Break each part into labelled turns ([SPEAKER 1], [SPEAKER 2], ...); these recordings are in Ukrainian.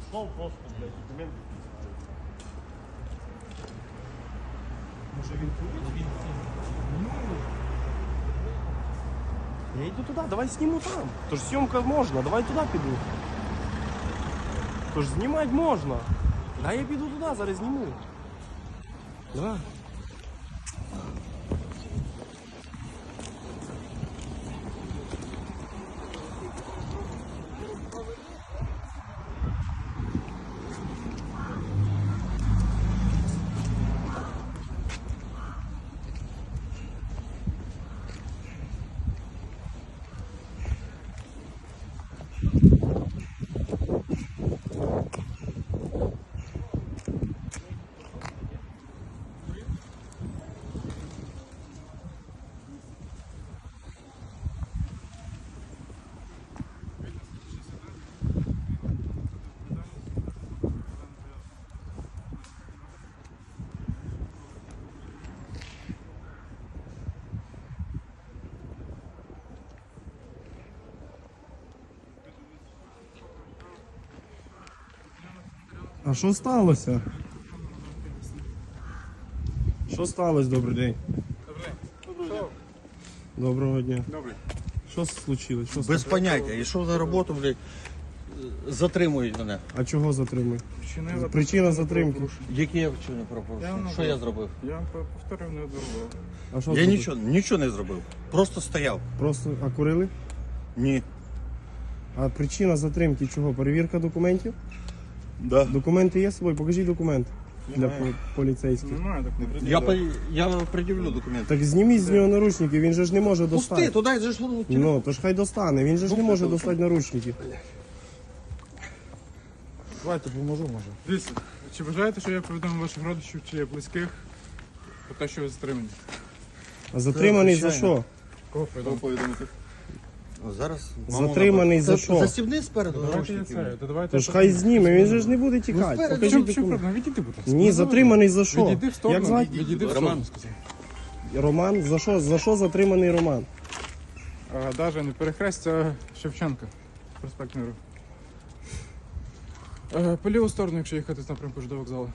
[SPEAKER 1] Пішов просто, блядь, документи. Може він поїде? Я йду туди, давай зніму там. Тож зйомка можна, давай туди піду. Тож знімати можна. Да я піду туди, зараз зніму. Давай. А що сталося? Що сталося, добрий день?
[SPEAKER 2] Добрий день.
[SPEAKER 1] Доброго дня.
[SPEAKER 2] Добрий.
[SPEAKER 1] Що случилось? Що
[SPEAKER 3] Без
[SPEAKER 1] сталося?
[SPEAKER 3] поняття. Йшов на роботу, блядь, затримують мене.
[SPEAKER 1] А чого затримують?
[SPEAKER 2] Вчинила
[SPEAKER 1] Причина затримки.
[SPEAKER 3] Які я вчинив
[SPEAKER 2] Я
[SPEAKER 3] пропорушення?
[SPEAKER 2] вам
[SPEAKER 3] Що я зробив?
[SPEAKER 2] Я вам повторив неодноразово.
[SPEAKER 1] А що
[SPEAKER 3] Я
[SPEAKER 1] зробили?
[SPEAKER 3] нічого не зробив. Просто стояв.
[SPEAKER 1] Просто а курили?
[SPEAKER 3] Ні.
[SPEAKER 1] А причина затримки чого? Перевірка документів?
[SPEAKER 3] Да.
[SPEAKER 1] Документи є з собою? Покажіть документ для поліцейських.
[SPEAKER 2] Немає такого.
[SPEAKER 3] Я пред'явлю документи.
[SPEAKER 1] Так зніміть з нього наручники, він же ж не може
[SPEAKER 3] Пусти,
[SPEAKER 1] достати.
[SPEAKER 3] туди же ж телефон.
[SPEAKER 1] Ну, то ж хай достане, він же ж не може достати наручники.
[SPEAKER 2] Давайте поможу, може. Дивіться, чи бажаєте, що я повідомив ваших родичів чи близьких про те, що ви затримані?
[SPEAKER 1] А затриманий за
[SPEAKER 3] звичайно.
[SPEAKER 1] що?
[SPEAKER 2] Кого повідомити?
[SPEAKER 3] Зараз.
[SPEAKER 1] Затриманий за що?
[SPEAKER 3] Застібни спереду
[SPEAKER 2] Давайте я
[SPEAKER 3] наручники.
[SPEAKER 2] це. Давайте.
[SPEAKER 1] Тож хай зніме, він же ж не буде тікати.
[SPEAKER 3] спереду.
[SPEAKER 1] Покажіть
[SPEAKER 2] Що
[SPEAKER 1] документ.
[SPEAKER 2] проблема? Відійди, будь ласка.
[SPEAKER 1] Ні, затриманий за що?
[SPEAKER 2] Відійди в сторону.
[SPEAKER 1] Як звати?
[SPEAKER 2] Відійди в
[SPEAKER 3] Роман.
[SPEAKER 2] сторону, сказав.
[SPEAKER 1] Роман? За що? За що затриманий Роман?
[SPEAKER 2] Даже не перехрестя Шевченка. Проспект Миру. По ліву сторону, якщо їхати з напрямку ж до вокзалу.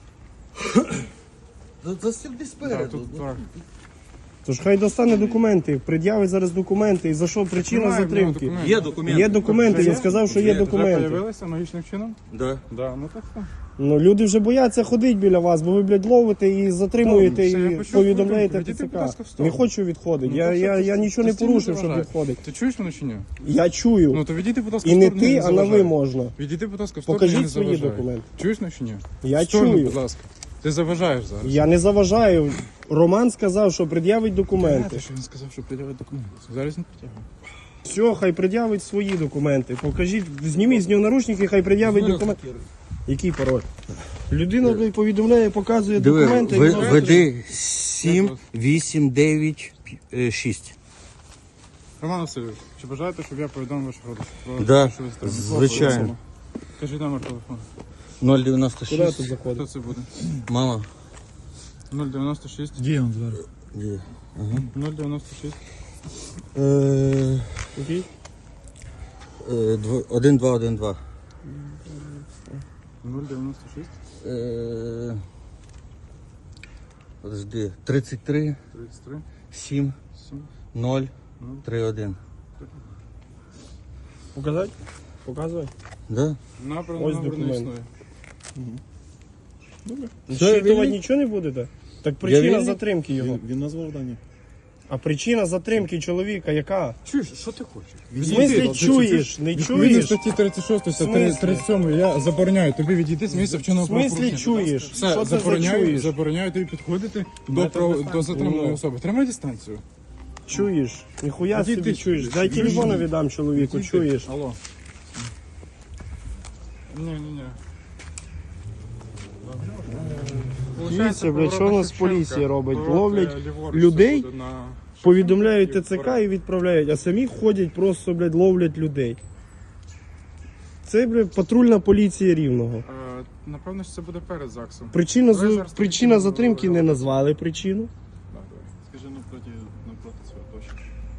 [SPEAKER 3] Застібни
[SPEAKER 2] Так,
[SPEAKER 3] спереду.
[SPEAKER 2] тут так.
[SPEAKER 1] Тож хай достане документи, пред'явить зараз документи. І за що причина
[SPEAKER 2] Немає в нього
[SPEAKER 1] затримки?
[SPEAKER 2] документів.
[SPEAKER 3] Є документи.
[SPEAKER 1] Є документи, він сказав, що є
[SPEAKER 2] Вже
[SPEAKER 1] документи.
[SPEAKER 2] появилися магічним чином?
[SPEAKER 3] Да.
[SPEAKER 2] Да, ну так так.
[SPEAKER 1] Ну люди вже бояться ходити біля вас, бо ви, блядь, ловите і затримуєте,
[SPEAKER 2] Все, я
[SPEAKER 1] і
[SPEAKER 2] почув
[SPEAKER 1] повідомляєте
[SPEAKER 2] повідомку. Відійди, будь ласка, в
[SPEAKER 1] ТЦК.
[SPEAKER 2] сторону.
[SPEAKER 1] Не хочу відходити.
[SPEAKER 2] Ну,
[SPEAKER 1] Я,
[SPEAKER 2] так що
[SPEAKER 1] я,
[SPEAKER 2] ти-
[SPEAKER 1] я нічого не
[SPEAKER 2] ти стій,
[SPEAKER 1] порушив,
[SPEAKER 2] не
[SPEAKER 1] щоб
[SPEAKER 2] заважай.
[SPEAKER 1] відходити.
[SPEAKER 2] Ти чуєш мене чи ні?
[SPEAKER 1] Я чую.
[SPEAKER 2] Ну то відійди, будь ласка, в
[SPEAKER 1] І не
[SPEAKER 2] сторону.
[SPEAKER 1] ти,
[SPEAKER 2] не
[SPEAKER 1] а на ви
[SPEAKER 2] заважай.
[SPEAKER 1] можна.
[SPEAKER 2] Відійди, будь ласка, в сторону.
[SPEAKER 1] Покажіть
[SPEAKER 2] я не
[SPEAKER 1] свої
[SPEAKER 2] заважаю.
[SPEAKER 1] документи.
[SPEAKER 2] Чуєш мене чи ні?
[SPEAKER 1] Я
[SPEAKER 2] В сторону,
[SPEAKER 1] чую.
[SPEAKER 2] будь ласка. Ти заважаєш зараз.
[SPEAKER 1] Я не заважаю. Роман сказав, що пред'явить документи.
[SPEAKER 2] Знаєте, що він сказав, що пред'явить документи. Зараз не притягує.
[SPEAKER 1] Все, хай пред'явить свої документи. Покажіть, зніміть з нього наручники, хай пред'явить документи. Який пароль? Людина блядь, повідомляє, показує документи. і вона-
[SPEAKER 3] Веди 7, 8, 9, 6.
[SPEAKER 2] Роман Васильович, чи бажаєте, щоб я повідомив ваших родичів? Про
[SPEAKER 3] Да,
[SPEAKER 2] те, що ви затримані?
[SPEAKER 3] звичайно.
[SPEAKER 2] Кажіть номер телефону.
[SPEAKER 1] Куди
[SPEAKER 3] 096.
[SPEAKER 1] тут заходить?
[SPEAKER 2] Хто це буде?
[SPEAKER 3] Мама.
[SPEAKER 2] 096.
[SPEAKER 3] Є он зараз? Є.
[SPEAKER 2] 096.
[SPEAKER 1] Який?
[SPEAKER 3] 1212.
[SPEAKER 2] 096.
[SPEAKER 3] Подожди. 33,
[SPEAKER 2] 33.
[SPEAKER 3] 7,
[SPEAKER 2] 7.
[SPEAKER 3] 0, 3, 1.
[SPEAKER 1] Показати? Показуй.
[SPEAKER 3] Да?
[SPEAKER 2] Набрано
[SPEAKER 1] Ось
[SPEAKER 2] номер не
[SPEAKER 1] документ.
[SPEAKER 2] існує.
[SPEAKER 1] Щитувати
[SPEAKER 3] вільний?
[SPEAKER 1] нічого не будете? Так причина
[SPEAKER 3] вільний?
[SPEAKER 1] затримки його.
[SPEAKER 4] Він назвав дані.
[SPEAKER 1] А причина затримки чоловіка яка?
[SPEAKER 2] Чуєш, що ти хочеш?
[SPEAKER 1] В смислі чуєш? Не
[SPEAKER 2] Відповідно
[SPEAKER 1] чуєш?
[SPEAKER 2] статті 36
[SPEAKER 1] В смислі?
[SPEAKER 2] 37 я забороняю тобі відійти з місця
[SPEAKER 1] В
[SPEAKER 2] вченого
[SPEAKER 1] смислі
[SPEAKER 2] правопорушення.
[SPEAKER 1] чуєш?
[SPEAKER 2] Все,
[SPEAKER 1] Що ти
[SPEAKER 2] забороняю,
[SPEAKER 1] чуєш?
[SPEAKER 2] забороняю тобі підходити до,
[SPEAKER 1] Метр
[SPEAKER 2] до
[SPEAKER 1] дистанції.
[SPEAKER 2] затриманої
[SPEAKER 1] Ну.
[SPEAKER 2] особи. Тримай дистанцію.
[SPEAKER 1] Чуєш? Ніхуя
[SPEAKER 2] Іди
[SPEAKER 1] собі
[SPEAKER 2] ти
[SPEAKER 1] чуєш.
[SPEAKER 2] чуєш.
[SPEAKER 1] Дай
[SPEAKER 2] Іди
[SPEAKER 1] телефона
[SPEAKER 2] ти.
[SPEAKER 1] віддам чоловіку,
[SPEAKER 2] Іди ти.
[SPEAKER 1] чуєш?
[SPEAKER 2] Алло. Ні.
[SPEAKER 1] Дивіться, блядь, що у нас поліція робить? Ловлять людей, повідомляють ТЦК і відправляють, а самі ходять просто, блядь, ловлять людей. Це, блядь, патрульна поліція Рівного.
[SPEAKER 2] Напевно, що це буде перед ЗАГСом.
[SPEAKER 1] Причина затримки не назвали причину.
[SPEAKER 4] Скажи навпроти свого точно.